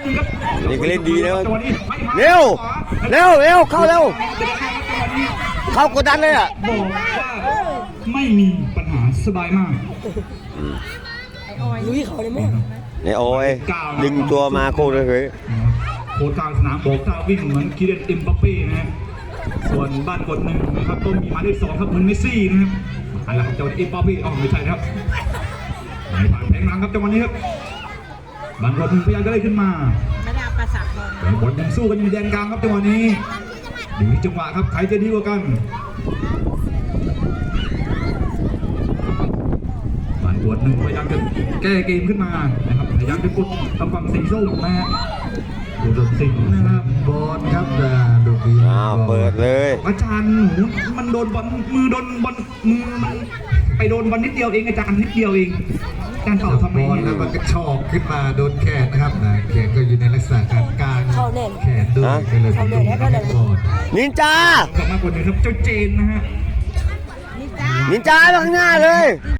นึงครับนี่ก็เล่นดีนะจังหวะนี้เร็วเข้าเร็วเข้ากดดันเลยอ่ะบอกว่าไม่มีปัญหาสบายมากลุยเขาเลยมั้งเนี่ยโอ้ยดึงตัวมาโคตรเลยโค้ชกลางสนามบอกถ้าวิ่งเหมือนคิเดนเอ็มบัปเป้นะฮะส่วนบ้านกดหนึ่งนะครับก็มีหมายเลข2ครับเหมือนเมสซี่นะครับอะไรครับจังหวะเอ็มบัปเป้ไม่ใช่นะครับไหลผ่านแผงหลังครับจังหวะนี้ครับบ้านกดหนึ่งพยายามจะได้ขึ้นมาไม่ได้ประสาทบอลแต่บอลยังสู้กันอยู่ในแดนกลางครับจังหวะนี้อยู่ที่จังหวะครับใครจะดีกว่ากันบ้านกดหนึ่งพยายามจะแก้เกมขึ้นมานะครับพยายามจะกดทำฝั่งสีส้มนะฮะดูดสิงนะครับบอลครับดูดีเปิดเลยอาจารย์หนูมันโดนบอลมือโดนบอลมือมันไปโดนบอลนิดเดียวเองอาจารย์นิดเดียวเองอาจารย์ตอบทำไมแล้วมันก็ชอกขึ้นมาโดนแขนนะครับแขนก็อยู่ในลักษณะการกางแขนด้วยก็เลยเป็นบอลนินจากลับมาคนหนึ่งครับเจ้าเจนนะฮะนินจาข้างหน้าเลย